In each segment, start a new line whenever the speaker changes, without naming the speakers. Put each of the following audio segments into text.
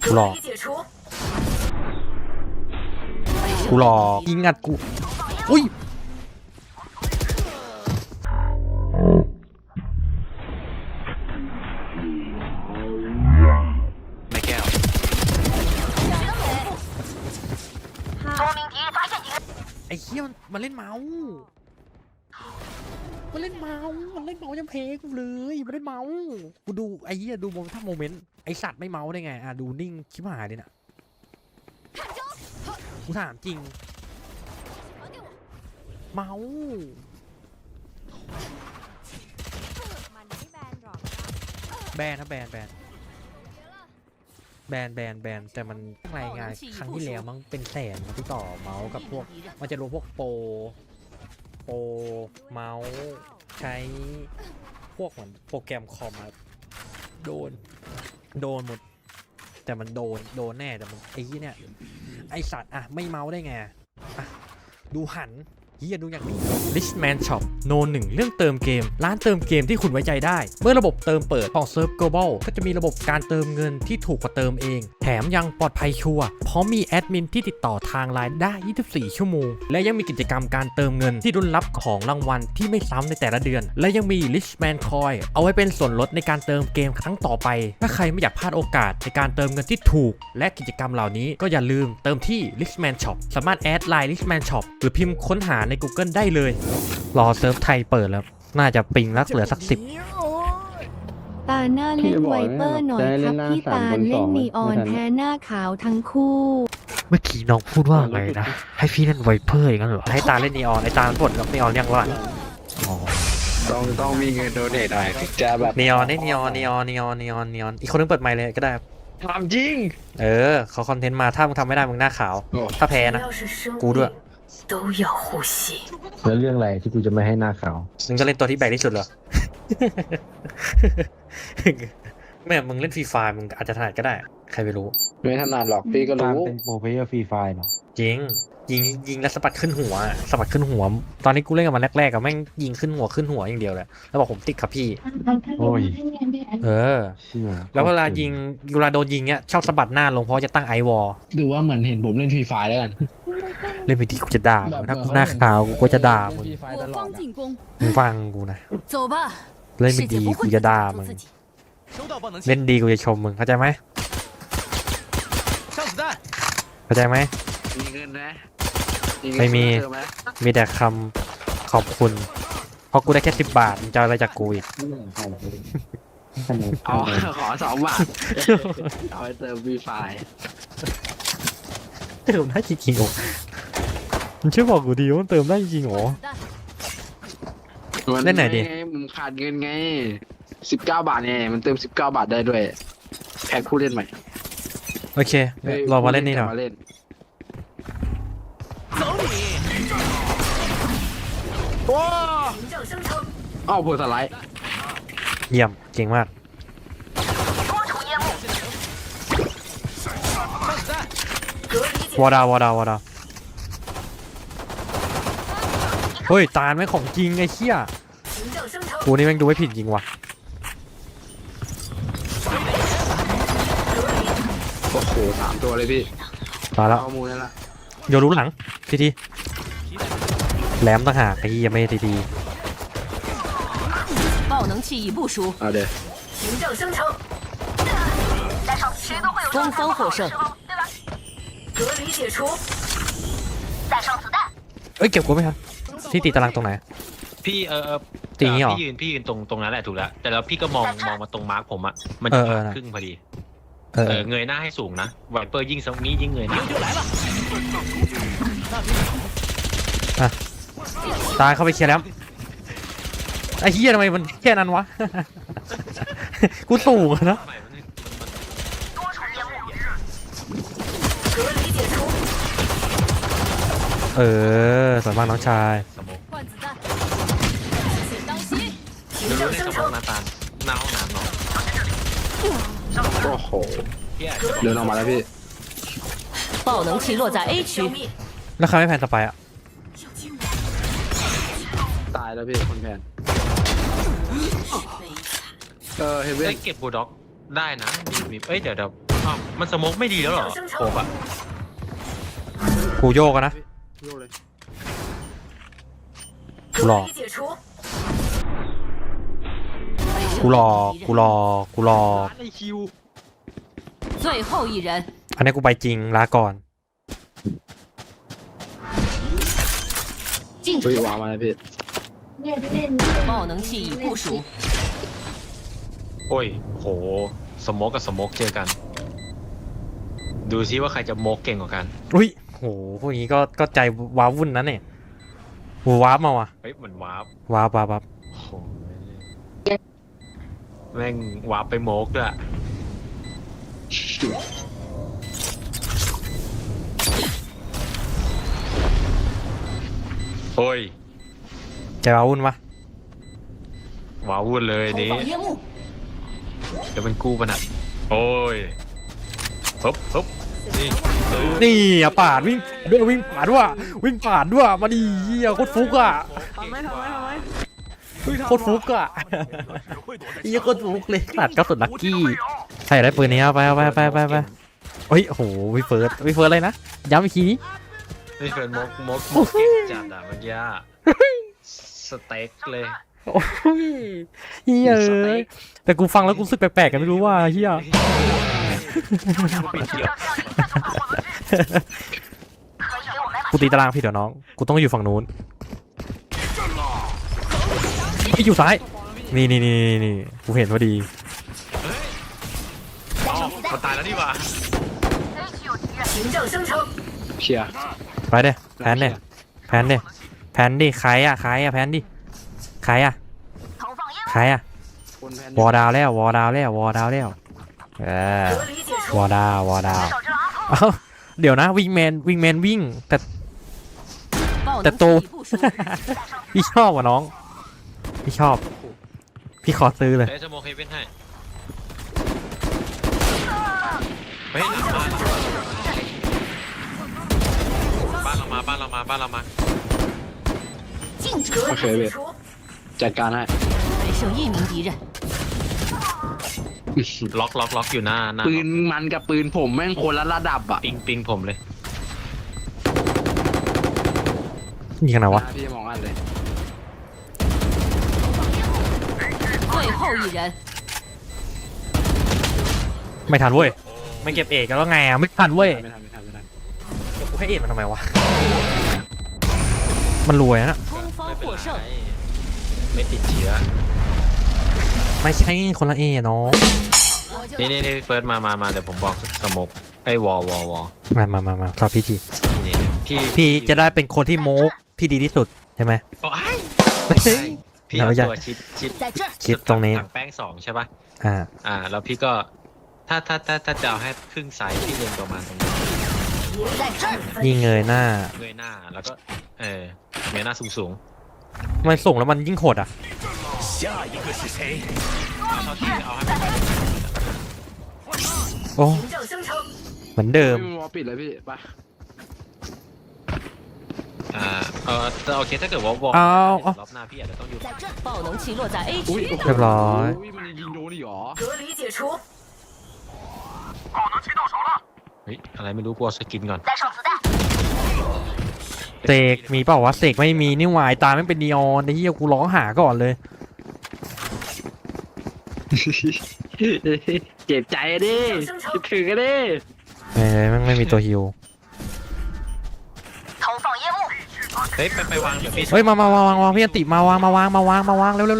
กูหลอกกูหลอกยิงอัดกูอุ้ย
ไม่แก้ว
ไอ้เหี้ยมันเล่นเมาส์มันเล่นเมาส์ยังเพลกูเลยมันเล่นเมาส์กูดูไอ้เหี้ยดูโมถ้าโมเมนต์ไอ้สัตว์ไม่เมาส์ได้ไงอ่ะดูนิ่งชิบหายเลยน่ะกูถามจริงเมาส์แบนนะแบนแต่มันรายงานครั้งที่แล้วมั้งเป็นแสนนะที่ต่อเมาส์กับพวกมันจะรวมพวกโปรเมาส์ใช้พวกเหมือนโปรแกรมคอมมาโดนหมดแต่มันโดนแน่แต่มันไอ้ที่เนี่ยไอสัตว์อะไม่เมาส์ได้ไงอะดูหันเฮียดูอย่างนี้ Richman Shop โน1เรื่องเติมเกมร้านเติมเกมที่คุณไว้ใจได้เมื่อระบบเติมเปิดของ Surf Global ก็จะมีระบบการเติมเงินที่ถูกกว่าเติมเองแถมยังปลอดภัยชัวร์พร้อมมีแอดมินที่ติดต่อทางไลน์ได้24ชั่วโมงและยังมีกิจกรรมการเติมเงินที่รุ่นรับของรางวัลที่ไม่ซ้ำในแต่ละเดือนและยังมี Richman Coin เอาไว้เป็นส่วนลดในการเติมเกมครั้งต่อไปถ้าใครไม่อยากพลาดโอกาสในการเติมเงินที่ถูกและกิจกรรมเหล่านี้ก็อย่าลืมเติมที่ Richman Shop สามารถแอดไลน์ Richman Shop หรือพิมพ์ค้นหาใน Google ได้เลยรอเซิร์ฟไทยเปิดแล้วน่าจะปิงลักเหลือสัก10
ตาหน้าเล่นไวเปอร์หน่อยครับพี่ตาเล่นนีออนแพ้หน้าขาวทั้งคู่
เมื่อกี้น้องพูดว่าไงนะให้พี่เล่นไวเปอร์อย่างนั้นเหรอให้ตาเล่นนีออนไอตาบ่นกับนีออนยังว่า
ต้องมีเงินโดเนทหน่อยถึงจะแบบ
นีออนนี่นีออนอีกคนนึงเปิดไมค์เลยก็ได้
ทำจริง
เขาคอนเทนต์มาถ้ามึงทำไม่ได้มึงหน้าขาวถ้าแพ้นะกูด้วย
แล้วเรื่องอะไรที่กูจะไม่ให้หน้าขาว
มึงจะเล่นตัวที่แบกที่สุดเหรอ แม่มึงเล่นฟรีไฟมึงอาจจะถนัดก็ได้ใครไม่รู้
ไม่ถนัดหรอกพี่ก็รู้
เป็นโปรเพลเยอร์ฟรีไฟเนาะ
จริงยิงแล้วสะบัดขึ้นหัวตอนนี้กูเล่นกับมันแรกๆกับแม่งยิงขึ้นหัวอย่างเดียวเลยแล้วบอกผมติดครับพี่
โอ้ย
แล้วเวลาโดนยิงเนี้ยชอบสะบัดหน้าลงเพราะจะตั้งไอวอล
ดูว่าเหมือนเห็นผมเล่นฟรีไฟแล้วกัน
เล่นไปดีกูจะด่าถ้ากูหน้าขาวกูจะด่ามึงฟังกูนะเล่นไม่ดีกูจะด่ามึงเล่นดีกูจะชมมึงเข้าใจไหม
มีเงินนะ
ไม่มีแต่คำขอบคุณเพราะกูได้แค่10 บาทมึงจะอะไรจากกูอีก
ขอ2 บาทเอาไปเติมฟรีไฟ
เติมได้จริงๆโอ้มึงช่วยบอกกูดีว่ามันเติมได้จริงๆโอ้เล่นไหนดิ
มึงขาดเงินไง19 บาทเนี่ยมันเติม19 บาทได้ด้วยแพ็คผู้เล่นใหม่
โอเครอมาเล่นนี่หน่อย
ว้าวโผล่สไลด์
เยี่ยมเก่งมากวอดาเฮ้ยตาลไม่ของจริงไอ้เหี้ยกูนี่แม่งดูไม่ผิดจริงว่ะ
โอ้โห3 ตัวเลยพี่
มาแล้วโยรู้หลังทีแหลมต่างหากไอ้ยี่ยังไม่ดี
เอาเดี๋ยว
东方获胜
เก็บกูไหมครับที่ตีตารางตรงไหน
พี่
ตีนี้หรอ
พี่ยืนตรงนั้นแหละถูกแล้วแต่แล้วพี่ก็มองมาตรงมาร์กผมอะมันจะครึ่งพอดีเงยหน้าให้สูงนะไวเปอร์ยิ่งสมียิ่งเงยหน้า
ตายเข้าไปเคลียร์แล้วไอ้เหี้ยทำไมมันแค่นั้นวะกูสูงนะสวยมากน้องชาย
รู้ในสมองนาตาลหน้าห้องน้ำเนาะ
โอ้โหเดินออกมาแล้วพี่
爆能器落在 A 区
แล้วเขาไม่แพนสไปอะ
ตายแล้วพี่คนแพน
เฮเว่นเก็บบูลด็อกได้นะมีเดี๋ยวอ้าวมันสโมกไม่ดีแล้วเหรอโคบอะ
กูโยกกันนะ
โยกเลย
กูรอกูรอกูรอกูรอ
ไอคิว
最后一人，
อันนี้กูไปจริงลาก่อน
禁
เฮ้ย
止
วางมาเลยพี่
爆能器已部署，
โอ้ยโหสโมกกับสโมกเจอกัน ดูซิว่าใครจะโมกเก่งกว่ากัน
อุ้ยโหพวกนี้ก็ใจว้าวุ่นนะเนี่ยกูว้าร์ปมาว่ะ
เฮ้ยเหมือนวาร์ป
ว้าร์ปว้าร์ปว้าร์ป
โอ้โหแม่งวาร์ปไปโมกด้วยโอ้ย
ใจว้าวุ่นวะ
ว้าวุ่นเลย
投
นี้
放烟幕，
จะเป็นกู้ปะน่ะโอ้ยฮึบฮึบนี่เออ
นี่อ่ะปาดวิ่งด้วยวิ่งปาดด้วยวิ่งปาดด้วยมาดิเหี้ยโคตรฟุกอ่ะ
ทำไม
โคตรฟุกอ่ะเหี้ยโคตรฟุกเลยตัดกระสุนลักกี้ใครอยากได้ปืนนี้เอาไปเอาไปไปไปไปเฮ้ยโอ้โหวิเฟิร์สวิเฟิร์สอะไรนะย้ำอีกทีนี้
นี่เป็นโมกเก่งจัดอ่ะเมื่อกี้อะสเต็กเลย
โอ้ยเฮียเอ้ยแต่กูฟังแล้วกูรู้สึกแปลกๆกันไม่รู้ว่าเฮีย
ไม่เกี่ยว
กูตีตารางพี่เดี๋ยวน้องกูต้องอยู่ฝั่งนู้นไอ้อยู่ซ้ายนี่นี่นี่นี่กูเห็นพอดี
อ๋อมันตายแล้วนี่หว่า
行政生成，
เคลียร์
ไปเด้แพนเด้แพนเด้แพนดิใครอ่ะใครอ่ะแพนดิใครอ่ะใครอ่ะ
คนแพน
วอดาวแล้ววอดาวแล้ววอดาวแล้ววอดาววอดาวเอ้าเดี๋ยวนะวิงแมนวิ่งแต่
爆
แต่
能
โต
器已部署，
พี่ชอบว่ะน้องพี่ชอบพี่ขอซื้อเลย
เอ้ยจะโมกเฮเว่นให้เฮ้ยหลังบ้านเรามาบ้านเรามาบ้านเรามา
禁止
โอเคพี่จัดการให้
还剩一名敌人，
ล็อกอยู่หน้า
ปืนมันกับปืนผมแม่งคนละระดับอ่ะ
ปิงผมเลย
ยิงกันไหนวะ
พี่มองอันเลย
最后一人，
ไม่ทันเว้ยไม่เก็บเอกกันแล้วไงอ่ะไม่ทันเว้ย
ไม่ทัน
เก็บกูให้เอกมันทำไมวะมันรวยนะ
攻方
ไม่เป็น
获
ไร
胜，
ไม่ติดเชื้อ
ไม่ใช่คนละเอน้อง
นี่เฟิร์สมาเดี๋ยวผมบอกสโมกไอ้วอ
มาต่อพี่ที
นี่
พี่จะได้เป็นคนที่โมกที่ดีที่สุดใช่ไหม
โอ้ย
ไม่ใช่
พี่เอา
เราอยาก
ตัวชิด
在这儿，
คิดตรงนี้
ถังแป้ง2ใช่ป่ะ แล้วพี่ก็ถ้าจะเอาให้ครึ่งไซส์พี่เล็งประมาณตรงนี้
在这儿，
ยิงเงยหน้า
เงยหน้าแล้วก็เงยหน้าสูง
มันส่งแล้วมันยิ่งโหดอ่ะ
เอาเท่าที่เอาให้มันไป
โอ้เหมือนเดิม
พี่วอลปิดเลยพี่ไป
โอเคถ้าเกิดว่าวอล
เอา
รอบหน้าพี่อาจจะต้องอยู่
在这儿，爆能器落在 A
อุ้ย
区，
เรียบร้อย
มันยิงโดนอีกเหรอ
隔离解除，
เฮ้ยอะไรไม่รู้กลัวสกินก่อน
带上子弹，
เสกมีเปล่าวะเสกไม่มีนี่หวายตาไม่เป็นนีออนไอ้เหี้ยกูร้องหาก่อนเลย
เจ็บใจดิคิดถึงกันดิ
ไม่มีตัวฮิว
投放烟幕，
เฮ้ยไปวางเดี๋ยวพี่
เฮ้ยมาวางพี่อันติมาวางเร็ว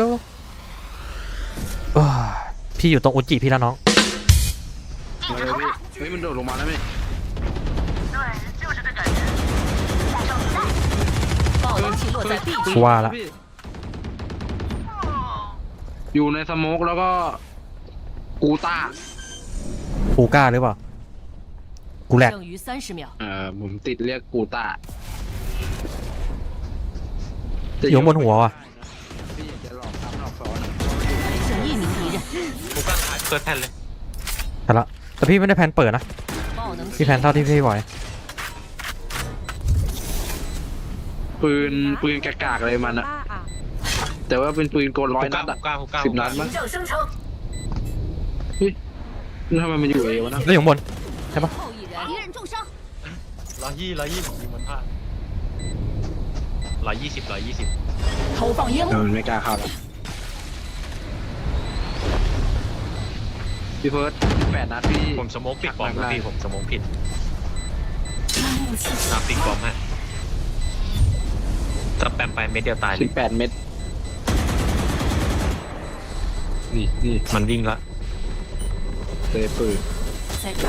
พี่อยู่ตรงอุจิพี่แล้วน้อง
มาเลยพี่เฮ้ยมันโดดลงมาแล้วพี่
爆能器落在 B 区，
ว่าละ
อยู่ในสโมกแล้วก็กูต้า
กูกล้าหรือเปล่ากูแหลก
剩余30秒，
ผมติดเรียกกูต้า
อยู่บนหัวว่ะ
พี่จะหลอกซ้ำหลอกซ้อน
还剩一名敌人，
กูก็เปิดแผ่นเลย
แต่ละแต่พี่ไม่ได้แพนเปิดนะ
爆能器
พี่แพนเท่าที่พี่ไหว
ปืนกากๆเลยมันอะแต่ว่าเป็นปืนโกน100 นัดอะ
กูกล้า
10 นัดมั้ง
行政生成，
ทำไมมันอยู่เอวะนะ
แล้วอยู่ข้างบน
后一人，敌人重伤，
120ผมยิงมันพลาด120
投放烟雾，
มันไม่กล้าเข้าแล้วพี่เฟิร์ส8 นัดพี่
ผมสโมกปิดบอม
ได้
พี่ผมสโมกผิดปิดบอมฮะสแปมไปเม็ดเดียวตายเลย
18 เม็ดนี่
มันวิ่งละ
เลยปืน
在这儿，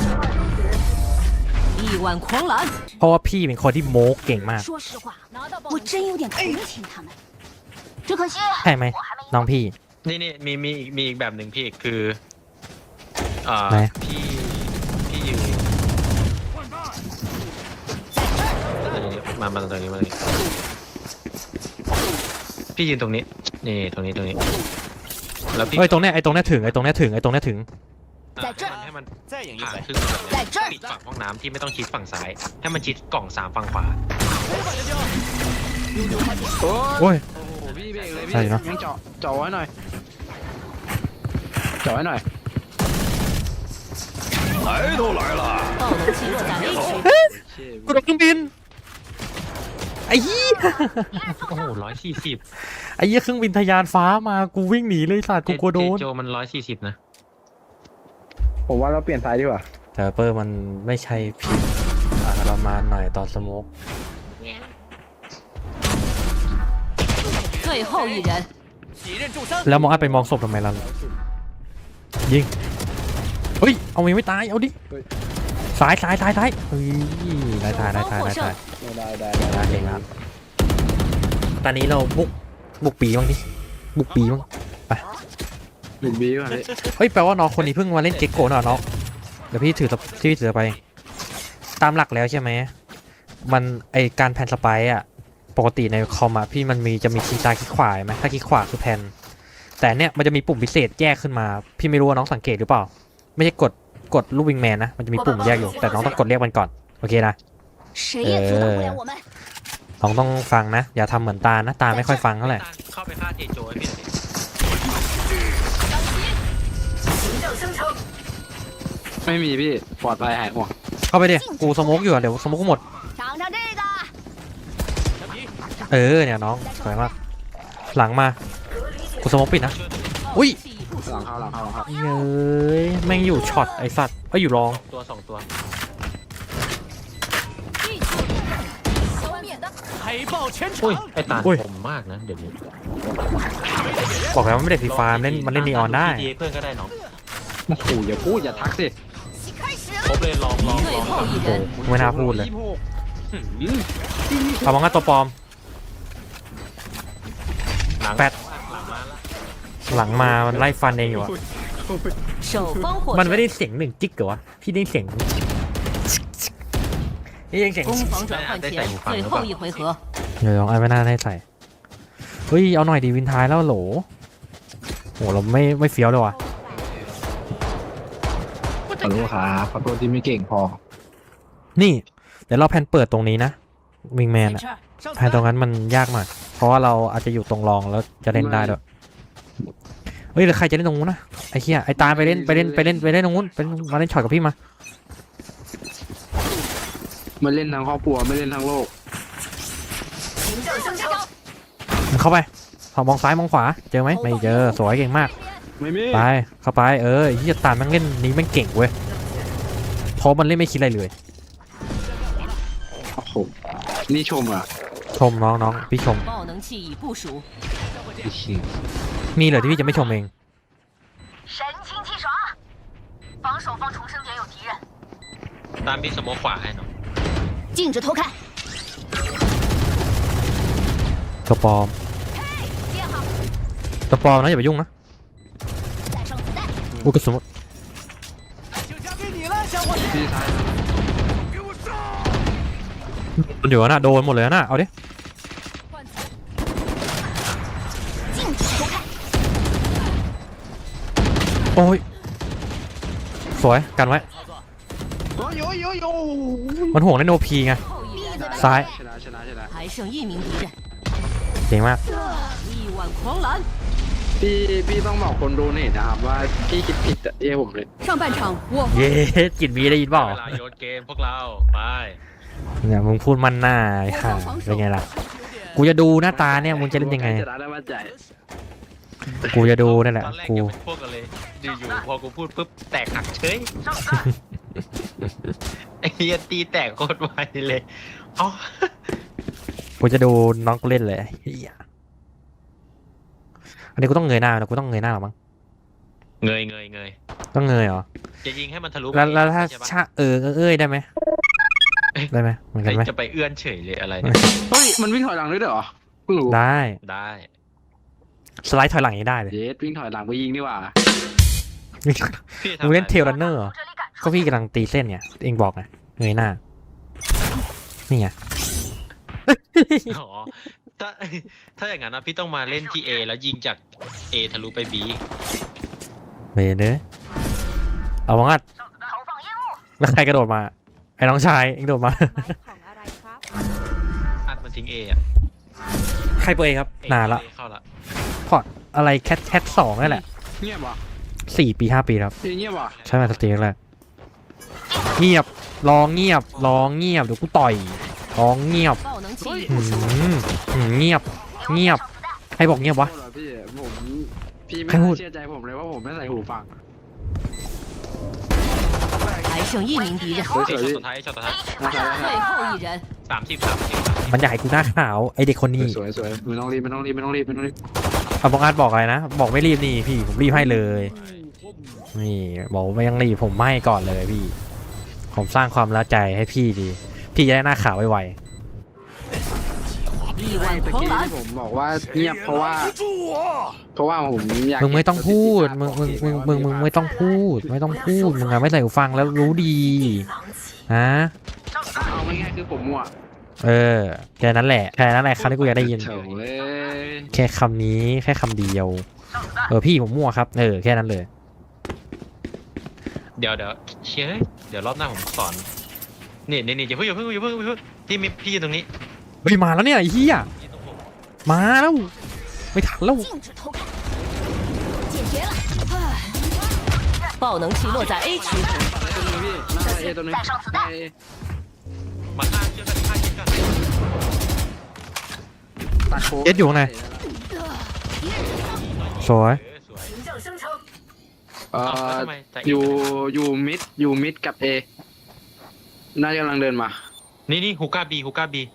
力挽狂澜。
เพราะว่าพี่เป็นคนที่โม้เก่งมาก
说实话，我真有点同情他们，只可惜
ใช่ไหมน้องพี่
นี่มีอีกแบบหนึ่งพี่คือ
ไหน
พี่ยืนมาตรงนี้มาเลยพี่ยืนตรงนี้นี่ตรงนี้แล้วพี่
เอ้ยตรงเนี้ยไอ้ตรงเนี้ยถึง
ให้มันผ่านครึ่งแบบนี้ปิดฝั่งห้องน้ำที่ไม่ต้องชิดฝั่งซ้ายให้มันชิดกล่อง3ฝั่งขวา
โอ้ย
โอ้โหพี่เบรกเลยพี่
ใช่เนอะ
ยังเจาะไว้หน่อยเจาะไว้หน่อย
爆能器落在 A 区，
กูโดนเครื่องบินไอ้ยี่
โอ้โห140
ไอ้ยี่เครื่องบินทะยานฟ้ามากูวิ่งหนีเลยสัตว์กูกลัวโดน
โจมัน140นะ
ผมว่าเราเปลี่ยนซ้ายดีกว่า
แต่เปอร์มันไม่ใช่ผิดประมาณหน่อยตอนสโมก
最后一人，
แล้วมองอัดไปมองศพทำไมล่ะยิงเฮ้ยเอามันไม่ตายเอาดิซ้ายเฮ้ยตาย
双方获胜。
ได้
เก่งครับตอนนี้เราบุกปีบ้างดิบุกปีบ้าง
หนึ่งบีก่อนพี่
เฮ้ยแปลว่าน้องคนนี้เพิ่งมาเล่นเจ็กโกะเนอะน้องเดี๋ยวพี่ถือไปตามหลักแล้วใช่ไหมมันไอการแผ่นสไปร์อะปกติในคอมอะพี่มันจะมีคลิกซ้ายคลิกขวาไหมถ้าคลิกขวาคือแผ่นแต่เนี่ยมันจะมีปุ่มพิเศษแยกขึ้นมาพี่ไม่รู้ว่าน้องสังเกตหรือเปล่าไม่ใช่กดลูกวิงแมนนะมันจะมีปุ่มแยกอยู่แต่น้องต้องกดเรียกมันก่อนโอเคนะ
谁也阻挡不了我们。
น้องต้องฟังนะอย่าทำเหมือนตานะตาไม่ค่อยฟังเท่าไหร่
เข้าไปฆ่าเทโจให้พี่หน่อยดิ
ไม่มีพี่ปลอดภัยหายห่วง
เข้าไปดิกูสโมกอยู่อะเดี๋ยวสโมกกูหมด
尝尝这个，
เนี่ยน้องสวยมากหลังมากูสโมกปิดนะอุ้ย
气已不
หลั
熟
ง，เข้าหลังเข้าหลังเข้า
เย้ยแม่งอยู่ช็อตไอสัตว์อยู่รอง
2 ตัว
消灭的。
อุ้ยไอตา
อุ้ย
ผมมากนะเดี๋ยวนี้
บอกแล้วมันไม่ได้ฟรีไฟล์มันเล่นนีออนได้
เพื่อนก็ได้น้อง
โอ้โหอย่าพูดอย่าทักสิ
ครบเลยลอง
最后一人，
ไม่น่าพูดเลย
26
เอามองงัดตัวปลอม
หลัง
แปด
หลังมาแล้ว
หลังมามันไล่ฟันเองอยู่อะ
首方获
มันไม่
胜。
ได้เสียงหนึ่งจิ๊กเหรอวะพี่ได้เสียงนี่ยังเสียง
攻防转换前最后一回合，
เดี๋ยวลองไอ้ไม่น่าได้ใส่เฮ้ยเอาหน่อยดีวินท้ายแล้วโหลโหเราไม่เฟี้ยวเลยว่ะ
ขอโทษครับขอโทษที่ไม่เก่งพอ
นี่เดี๋ยวเราแพนเปิดตรงนี้นะวิงแมนอะแพนตรงนั้นมันยากมากเพราะว่าเราอาจจะอยู่ตรงรองแล้วจะเล่นได้ด้วยเฮ้ยหรือใครจะเล่นตรงนู้นนะไอ้เหี้ยไอ้ตาไปเล่นตรงนู้นมาเล่นช็อตกับพี่มา
ไม่เล่นทั้งครอบครัวไม่เล่นทั้งโลก
มึงเข้าไปมองซ้ายมองขวาเจอไหมไม่เจอสวยเก่งมาก
ไม่มี
ไปเข้าไปเฮียตามมันเล่นนี้มันเก่งเว้ยเพราะมันเล่นไม่คิดอะไรเลย
โอ้โหนี่ชมอ่ะ
ชมน้องพี่ชม
爆能器已部署，
มีเหรอที่พี่จะไม่ชมเอง
神清气爽。防守方重生点有敌人，
ตามพี่สโมกขวาให้น้อง
禁止偷看。
ตัวปลอม
接好，
ตัวปลอมนะอย่าไปยุ่งนะ
带上子弹。
อุยกระสุน
พี่ซ้าย
มันอยู่นะโดนหมดเลยนะเอาดิ
禁止偷看。
โอ้ยสวยกันไว้
โย
มันห่วงเล่นโอพีไง
后一人，
ซ้าย
ชนะ
还剩一名敌人，
เก่งมาก
力挽狂澜。
พี่ต้องบอกคนดูนี่นะครับว่าพี่คิดผิดอะเอ้ผมเลย
上半场我
เย้กินมีได้ยินเปล่า
เวลาโยนเกมพวกเราไป
เนี่ยมึงพูดมันหน้าไอ้ห่าเป็นไงล่ะกูจะดูหน้าตาเนี่ยมึงจะเล่นยังไง
จะได้มั่นใจ
กูจะดูนั่นแหละ
ตอนแรก
กู
ยังเป็นพวกกันเลยอยู่ๆพอกูพูดปุ๊บแตกหักเฉยไอ้เหี้ยตีแตกโคตรไวเลยอ๋อ
กูจะดูน้องกูเล่นเลยเหี้ยอันนี้กูต้องเงยหน้านะกูต้องเงยหน้าหรอมั้ง
เงย
ต้องเงยเหรอ
จะยิงให้มันทะลุ
แล้วถ้า
ใช่ปะ
ชะเอ้ยได้ไหมได้ไหมเหมือนกันไหม
จะไปเอื้อนเฉยเลยอะไรเนี่ย
เฮ้ยมันวิ่งถอยหลังด้วยเหรอเพิ่งรู้
ได้
ได้
สไลด์ถอยหลังอย่างนี้ได้เลย
เยสวิ่งถอยหลังไปยิงดีกว่า
พี่
มึงเล่นเทลรันเนอร์เหรอ
这里赶
ก็พี่กำลังตีเส้นเนี่ยเองบอกไงเงยหน้านี่ไง
อ๋อถ้าอย่างนั้นนะพี่ต้องมาเล่นที่ A แล้วยิงจาก A ทะลุไป B
เบเด้อเอาวังอัด
投放烟幕，
แล้วใครกระโดดมาไอ้น้องชายเองโดดมา
อัดมันทิ้ง A อ่ะ
ใครเปิดครับ
A
นานละ
เข้าละ
พอร์ตอะไรแคทสองนั่นแหละ
เงียบวะ
4 ปี 5 ปีแล้วครับ
เงียบวะ
ใช่ไหมสตรีมแรกเงียบร้องเงียบร้องเงียบเดี๋ยวกูต่อยร้องเงียบ
爆能器
หืมเงียบเงียบใครบอกเงียบวะ
โทษเหรอพี่ไม่
ใครพูด
เชื่อใจผมเลยว่าผมไม่ใส่หูฟัง
还剩一名敌人，
เฮ้ย
เอ้ย
สวย
ช็อตสุดท้ายช็อตสุดท้าย
最后一人，
30
มันอยากให้กูหน้าขาวไอเด็กคนนี้
สวยสวยไม่ต้องรีบไม่ต้องรีบไม่ต้องรีบไม่ต้องรีบ
เอาบอกอาร์ตบอกอะไรนะบอกไม่รีบนี่พี่ผมรีบให้เลยนี่บอกไม่ยังรีบผมให้ก่อนเลยพี่ผมสร้างความละใจให้พี่ดีพี่จะได้หน้าขาวไว
力
ไม่
挽
ตะ
狂
กี้
澜
ที่，ผมบอกว่าเงียบเพราะว่าผมอยาก
ๆมึงไม่ต้องพูดมึงไม่ต้องพูดไม่ต้องพูดมึงอะไม่ใส่หูฟังแล้วรู้ดีนะ
เอาง่ายๆคือผมมั่ว
เออแค่นั้นแหละคำที่กูอยากได้ยิน
เฉยเลย
แค่คำนี้แค่คำเดียวพี่ผมมั่วครับแค่นั้นเลย
เดี๋ยวเชี่ยเดี๋ยวรอบหน้าผมสอนนี่อย่าเพิ่งที่มีพี่อยู่ตรงนี้
เฮ้ยมาแล้วเนี่ยไอ้เหี้ย
พี่ตรงผม
มาแล้วไม่ทันแล้ว
禁止偷看，解决了。爆能器落在 A 区，
ตัวนี้พี่หน้าเอตัวนี้หน้าเอ
มาฆ่าเชื่อกันฆ่าเชื่อกัน
ตัดโค้ง
เอ็ดอยู่ข้างในสวย
สวย
凭证生成，
เอ่
แล้ว
อ
ทำไมแต่
อยู่มิดกับเอน่าจะกำลังเดินมา
นี่ฮูก้าบี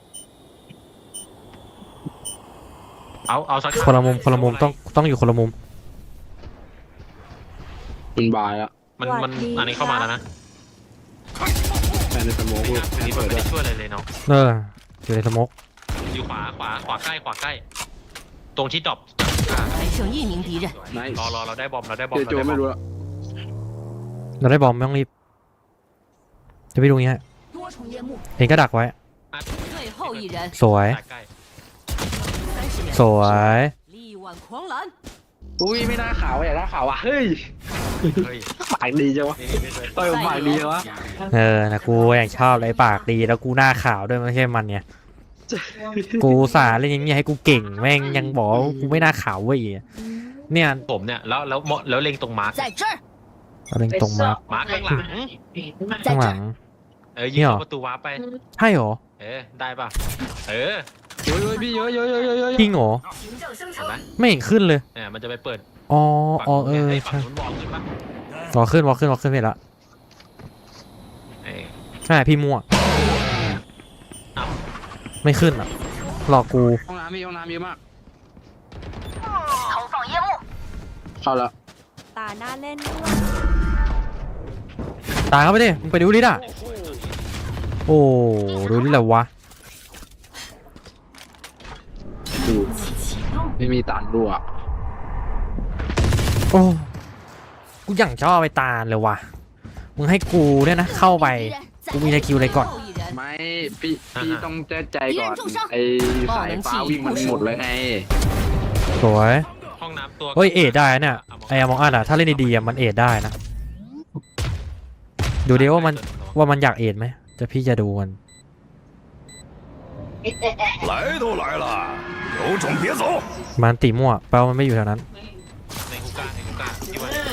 เอาสัก
คนละมุมต้องอยู่คนละมุม
มันบายแล้ว
มันอันนี้เข้ามาแล้วนะ
แฟนในสโมอง
นี่
เปิด
ไม่
ด้วย
ได้ช่วยอะไรเลยเนาะ
อยู่ในสโมก
อยู่ขวาใกล้ตรงที่ดรอป
还剩一名敌人，
ไน
รอเราได้บอม
เจโจไม่รู้แล้ว
เราได้บอมไม่ต้องรีบจะไปดูงี้ฮะ
多重烟幕，
เองก็ดักไว้
最后一人，
สวย
ใกล้
30秒
สวย
力挽狂澜，
อุ้ยไม่น่าขาวอย่าน่าขาวอ่ะเฮ้ย
เฮ้ย
ปากดีจังวะ
นี่เลย
ต่อยผมปากดีจังวะ
นะกูอย่างชอบเลยปากดีแล้วกูหน้าขาวด้วยไม่ใช่มันเนี่ยกูสาเล่นอย่างเงี้ยให้กูเก่งแม่งยังบอกว่ากูไม่น่าขาวเว้ยเนี่ย
ผมเนี่ยแล้วเล็งตรงมาร์ค
在这儿，
เราเล่นตรงมา
มาร์คข้างหลัง
ข้างหลัง
ยิงเข้าประตูวาร์ปไป
ใช่หรอ
ได้ป่ะเออ
เฮ้ยพี่เยอะ
จริงเหรอ
凭证生
เห็น
成
ไหม，
ไม่เห็นขึ้นเลย
เนี่ยมันจะไปเปิด
อ๋อ
ฝั่งนู้นไอ้
ใช่
ฝั่งนู้นวอลขึ้นปะ
วอขึ้นไปละ
เอ้ย
ใช่พี่มั่ว
อ้าว
ไม่ขึ้นอ่ะหลอกกู
ห้องน้ำมีห้องน้ำเยอะมาก
投放烟幕，
เข้าแล้ว
ตาหน้าเล่นด้วย
ตายเข้าไปดิมึงไปดูลิดอ่ะโอ้ดูลิดแล้ววะ
ดูไม่มีตันรั่ว
โอ้กูอย่างชอบไปตาลเลยวะมึงให้กูเนี่ยนะเข้าไปกูมีในคิวอะไรก่อน
最后一人，
ไม่พี่ต้องแจ้ใจก่อนไอสายฟ้าวิ่งมันหมดเลยไง
สวย
ห้องน้ำตัว
เฮ้ยเอ็ดได้เนี่ยไอ้มองอัดอะถ้าเล่นดีๆอะมันเอ็ดได้นะดูดิว่ามันอยากเอ็ดไหมจะพี่จะดูมัน
来都来了，有种别走！
มันตีมั่วแปลว่ามันไม่อยู่แถวนั้น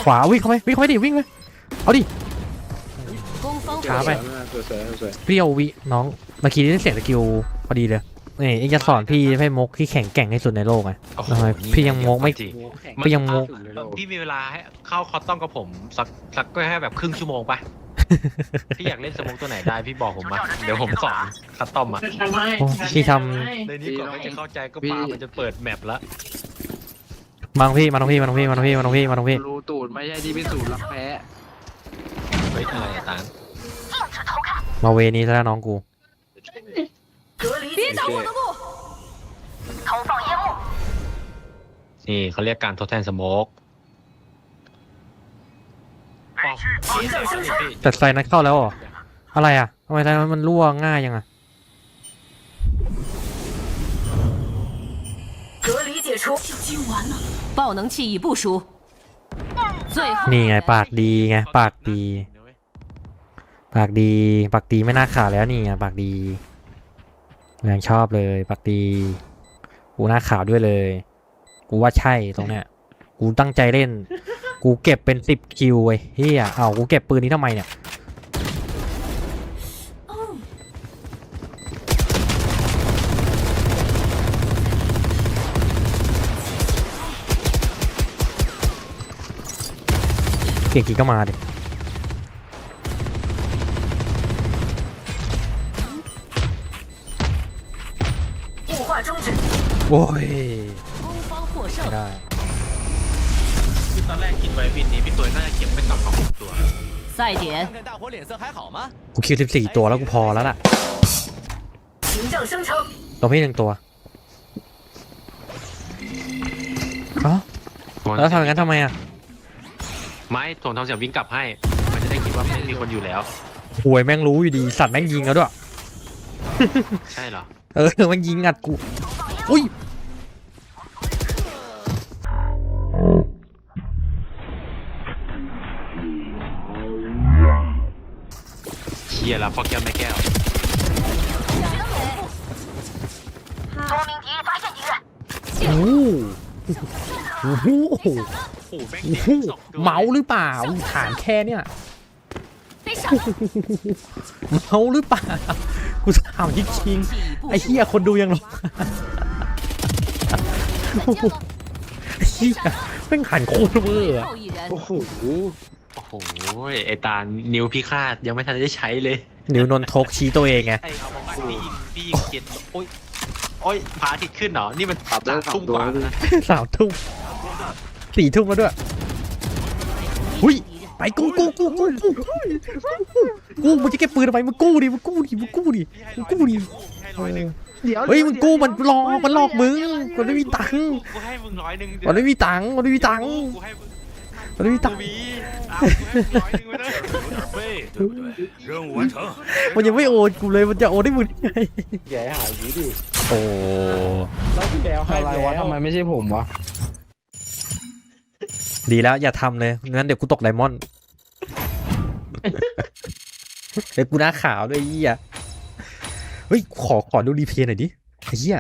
ขวาวิ่งเข้าไปดิวิ่งไปเอาดิ
攻方
ช้าไป
สวย
เปรี้ยววิน้องเมื่อกี้ได้เสียงสกิลพอดีเลยนี่เองจะสอนพี่ให้มกที่แข็งแกร่งที่สุดในโลกไง
โอ้โห
ทำไมพี่ยังมกไม่
จริง
พี่ยังมก
พี่มีเวลาให้เข้าคอตตอมกับผมสักก็แค่แบบครึ่งชั่วโมงปะ พี่อยากเล่นสโมกตัวไหนได้พี่บอกผมมาเดี๋ยวผมสอนคอตตอมอ่ะ
โอ้พี่ท
ในนี้ก่อนไม่จะเข้าใจก็ปามันจะเปิดแมปแล้ว
ำมาตรงพี่
รูตูดไม่ใช่ที่พิสูจน์รักแพ้
เฮ้ยอะไรอะตาน
禁止偷看，
มาเวนี้ซะแล้วน้องกู
隔离别挡我的路，投放烟幕，
นี่เขาเรียกการทดแทนสโมก
แต่ไฟนั้นเข้าแล้วเหรออะไรอ่ะทำไมไฟนั้นมันรั่วง่ายยังอ่ะ
隔离解除，就今晚了，爆能器已部署，最后
นี่ไงปากดีไงปากดีไม่น่าขาดแล้วนี่ไงปากดียังชอบเลยปากดีกูหน้าขาวด้วยเลยกูว่าใช่ตรงเนี้ยกูตั้งใจเล่น กูเก็บเป็น10 คิวเว้ยเฮียเอากูเก็บปืนนี้ทำไมเนี่ยเก่งกี่ก็มาดิ
雾化终止，
โอ้ย
攻方获
ไม่
胜，
ได้
คือตอนแรกคิดไว้วินนี้พี่ตัวน่าจะเก็บไม่ต่ำกว่า6ตัว
赛点，
看大伙脸色还好吗？
กูคิว14 ตัวแล้วกูพอแล้วล่ะ
行政生成，
ตัวพี่1 ตัวเอ้าแล้วทำอย่างนั้นทำไมอ่ะ
ไม่ถ่วงทำเสียงวิ่งกลับให้ มันจะได้คิดว่าไม่มีคนอยู่แล้ว
หวยแม่งรู้อยู่ดีสัตว์แม่งยิงแล้วด้วย
ใช่เหรอ
แม่งยิงอัดกูอุ้ย
เชียร์แล้วพ่อแก้วแม่แก้ว
多名敌人发现敌人，
โอ้โห
โอ้โหแม่งยิงสองตัว
เมาหรือเปล่าฐานแค่เนี่ย
被闪了，
เมาหรือเปล่ากูถามจริง
器已
ๆ
部
ไอ้
署
เหี้ยคนดูยังรอไอ้เหี้ยแม่งหันโคตรเวอร์อะ
最后一人，
โอ้โห
โอ้โหไอตานิ้วพิฆาตยังไม่ทันได้ใช้เลย
นิ้วนนทกชี้ตัวเองไง
ไอเอามาพี่ยิงเจ็ดโอ้ยพาทิตขึ้นเหรอนี่มัน
ตับได้
ทุ่ม
2 ตัว
กว่านะ
3 ทุ่ม4 ทุ่มแล้วด้วยหุ้ยไปกู้มึงจะเก็บปืนทำไมมึงกู้ดิ
พี่ให้ร้อยหนึ่ง
เฮ้ยมึงกู้มันหลอกมึงมันไม่มีตังค์
กูให้มึง100เดี๋ยว
มันไม่มีตังค์มันไม่มีตังค์
กูให้มึง
มันไม่มีตังค์
มีอ้าวกูให้มึง100ไปเลย
背对不对？任务完成。
มันยังไม่โอนกูเลยมันจะโอนได้มึงไง
แกหายดีดิ
โอ้
แล้วที่แล้วให้
อะไรวะทำไมไม่ใช่ผมวะ
ดีแล้วอย่าทำเลยงั้นเดี๋ยวกูตกไดมอนด์เดี๋ยวกูหน้าขาวด้วยไอ้เหี้ยเฮ้ยขอดูรีเพลย์หน่อยดิไอ้เหี้ย